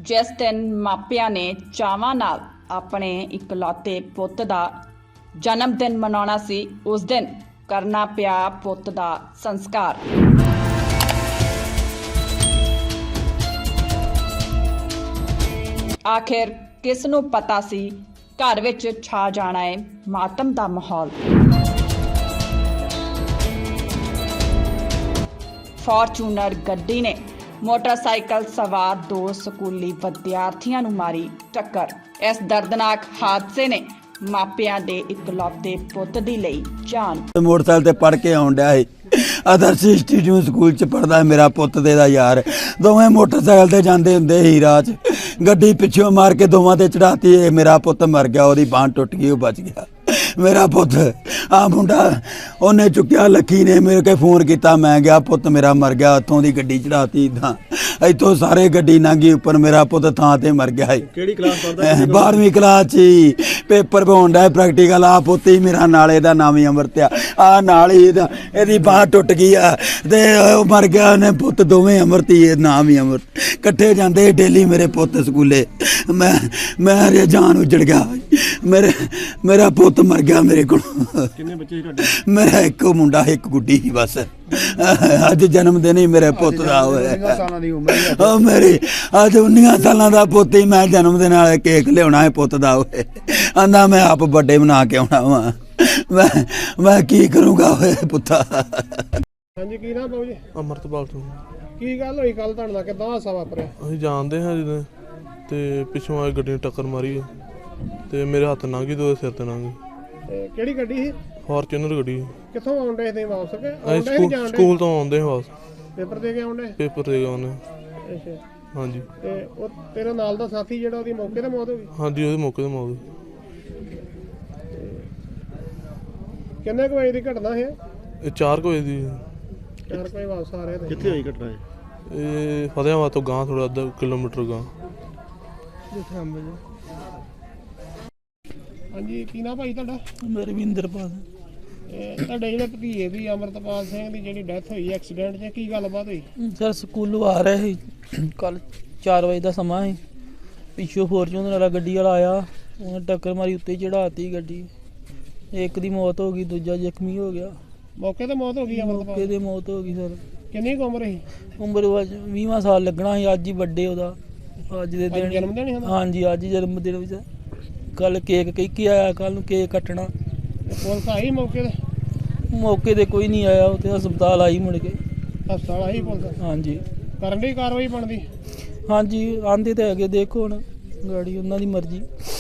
ਜਿਸ ਦਿਨ ਮਾਪਿਆਂ ਨੇ ਚਾਵਾਂ ਨਾਲ ਆਪਣੇ ਇਕਲੌਤੇ ਪੁੱਤ ਦਾ ਜਨਮ ਦਿਨ ਮਨਾਉਣਾ ਸੀ, ਉਸ ਦਿਨ ਕਰਨਾ ਪਿਆ ਪੁੱਤ ਦਾ ਸੰਸਕਾਰ। ਆਖਿਰ ਕਿਸ ਨੂੰ ਪਤਾ ਸੀ ਘਰ ਵਿੱਚ ਛਾ ਜਾਣਾ ਹੈ ਮਾਤਮ ਦਾ ਮਾਹੌਲ। ਫਾਰਚੂਨਰ ਗੱਡੀ ਨੇ ਮੋਟਰਸਾਈਕਲ ਸਵਾਰ 2 ਸਕੂਲੀ ਵਿਦਿਆਰਥੀਆਂ ਨੂੰ ਮਾਰੀ ਟੱਕਰ। ਇਸ ਦਰਦਨਾਕ ਹਾਦਸੇ ਨੇ ਮਾਪਿਆਂ ਦੇ ਇਕਲੌਤੇ ਪੁੱਤ ਦੀ ਲਈ ਜਾਨ। मोटरसाइकिल ते पढ़ के आउण डਿਆ ਸੀ। आदर्श इंस्टीट्यूट स्कूल च पढ़दा मेरा पुत्त ते दा यार, दोवें मोटरसाइकिल ते जांदे हुंदे ही राह च, गड्डी पिछों मार के दोवां ते चढ़ाती। मेरा पुत्त मर गया, ओदी बांह टुट गई, वो बच गया। मेरा पुत्त आ मुंडा उन्हें चुक्या, लक्की ने मेरे के फोन किया, मैं गया, पुत्त मेरा मर गया, उतों दी गड्डी चढ़ाती, इतों सारे गड्डी लंघी उपर, मेरा पुत्त थां ते मर गया। किहड़ी क्लास पढ़दा? 12वीं क्लास च पेपर पाउण डा प्रैक्टिकल। आ पुत्त ही मेरा नाले दा नाम ही अमृत आ नाल ही इहदी बांह टुट गई आ ते मर गया। उन्हें पुत्त दोवें अमृत ही, नाम ही अमृत, कट्ठे जांदे डेली मेरे पुत्त स्कूले। मैं जान उजड़ गया, मेरा पुत्त मर गया मेरे को। किन्ने बच्चे तुहाडे? मेरा एक मुंडा एक गुड्डी ही बस। अज जन्मदिन ही मेरे पुत्त दा होया। सालां दी उम्र है मेरी अज 19 सालां दा पुत्त ही, मैं जन्मदिन वाले केक लियाना है पुत्त दा होए, आंदा मैं आप बर्थडे बना के आउणा वा। मैं की करूँगा होए पुत्ता। ਹਾਂਜੀ ਕੀ ਨਾਮ ਬਾਬੂ ਜੀ? ਅਮਰਤਪਾਲ ਸਿੰਘ। ਕੀ ਗੱਲ ਹੋਈ ਕੱਲ ਤੁਹਾਡੇ ਨਾਲ, ਕਿੱਦਾਂ ਹਾਦਸਾ ਵਾਪਰਿਆ? ਅਸੀਂ ਜਾਣਦੇ ਹਾਂ ਜਦੋਂ ਤੇ ਪਿੱਛੋਂ ਆਏ ਗੱਡੀ ਨੇ ਟੱਕਰ ਮਾਰੀ ਤੇ ਮੇਰੇ ਹੱਥ ਲੰਘ ਗਈ ਤੇ ਉਹਦੇ ਸਿਰ ਤੇ ਲੰਘ ਗਈ। ਤੇ ਕਿਹੜੀ ਗੱਡੀ ਸੀ? ਫਾਰਚੂਨਰ ਗੱਡੀ। ਕਿੱਥੋਂ ਆਉਂਦੇ ਸੀ ਵਾਪਸ ਕੇ? ਅਸੀਂ ਸਕੂਲ ਤੋਂ ਆਉਂਦੇ ਹਾਂ ਵਾਪਸ, ਪੇਪਰ ਦੇ ਕੇ ਆਉਂਦੇ? ਪੇਪਰ ਦੇ ਕੇ ਆਉਂਦੇ। ਅੱਛਾ। ਹਾਂਜੀ ਤੇ ਉਹ ਤੇਰੇ ਨਾਲ ਦਾ ਸਾਥੀ ਜਿਹੜਾ, ਉਹਦੀ ਮੌਕੇ ਤੇ ਮੌਤ ਹੋ ਗਈ? ਹਾਂਜੀ, ਉਹਦੇ ਮੌਕੇ ਤੇ ਮੌਤ ਹੋਈ। ਕਿੰਨੇ ਕੁ ਵਜੇ ਦੀ ਘਟਨਾ ਹੈ? ਇਹ 4 ਵਜੇ ਦੀ। 4 ਵਜੇ ਵਾਪਸ ਆ ਰਹੇ ਤੇ? ਕਿੱਥੇ ਹੋਈ ਘਟਨਾ ਇਹ? ਇਹ ਫਤਿਆਬਾਦ ਤੋਂ ਗਾਂ ਥੋੜਾ ਅੱਧਾ ਕਿਲੋਮੀਟਰ ਗਾਂ। ਹਾਂਜੀ ਕੀ ਨਾਮ ਭਾਈ ਤੁਹਾਡਾ? ਰਵਿੰਦਰਪਾਲ। ਤੁਹਾਡੇ ਜਿਹੜੇ ਭਤੀਜੇ ਦੀ ਅਮਰਤਪਾਲ ਸਿੰਘ ਦੀ ਜਿਹੜੀ ਡੈਥ ਹੋਈ ਐਕਸੀਡੈਂਟ 'ਚ, ਕੀ ਗੱਲਬਾਤ ਹੋਈ? ਸਰ ਸਕੂਲੋਂ ਆ ਰਹੇ ਸੀ, ਕੱਲ 4 ਵਜੇ ਦਾ ਸਮਾਂ ਸੀ। ਪਿੱਛੋਂ ਫੋਰਚੂਨਰ ਵਾਲਾ ਗੱਡੀ ਵਾਲਾ ਆਇਆ, ਉਹਨੇ ਟੱਕਰ ਮਾਰੀ, ਉੱਤੇ ਚੜਾਤੀ ਗੱਡੀ। ਇੱਕ ਦੀ ਮੌਤ ਹੋ ਗਈ, ਦੂਜਾ ਜ਼ਖਮੀ ਹੋ ਗਿਆ। ਮੌਕੇ ਤੇ ਮੌਤ ਹੋ ਗਈ ਮੌਕੇ ਅਮਰਤਪਾਲ? ਤੇ ਮੌਤ ਹੋ ਗਈ ਸਰ। ਕਿੰਨੀ ਕੁ ਉਮਰ ਸੀ? ਉਮਰ 20ਵਾਂ ਸਾਲ ਲੱਗਣਾ ਸੀ। ਅੱਜ ਹੀ ਵੱਡੇ ਉਹਦਾ, ਅੱਜ ਦੇ ਦਿਨ। ਜਨਮ ਦਿਨ ਸੀ ਉਹਦਾ? ਹਾਂਜੀ, ਅੱਜ ਹੀ ਜਨਮ ਦਿਨ ਵਿੱਚ। ਕੱਲ ਕੇਕ ਕਹਿ ਕੇ ਆਇਆ, ਕੱਲ ਨੂੰ ਕੇਕ ਕੱਟਣਾ। ਪੁਲਿਸ ਆਈ ਮੌਕੇ ਤੇ? ਮੌਕੇ ਤੇ ਕੋਈ ਨਹੀਂ ਆਇਆ, ਉੱਥੇ ਹਸਪਤਾਲ ਆਈ ਮੁੜ ਕੇ। ਹਸਪਤਾਲ ਆਈ ਪੁਲਿਸ? ਹਾਂਜੀ ਕਰਨ ਦੀ ਕਾਰਵਾਈ ਬਣਦੀ? ਹਾਂਜੀ, ਆਂਦੇ ਤੇ ਹੈਗੇ, ਦੇਖੋ ਹੁਣ ਗਾੜੀ ਉਹਨਾਂ ਦੀ ਮਰਜ਼ੀ।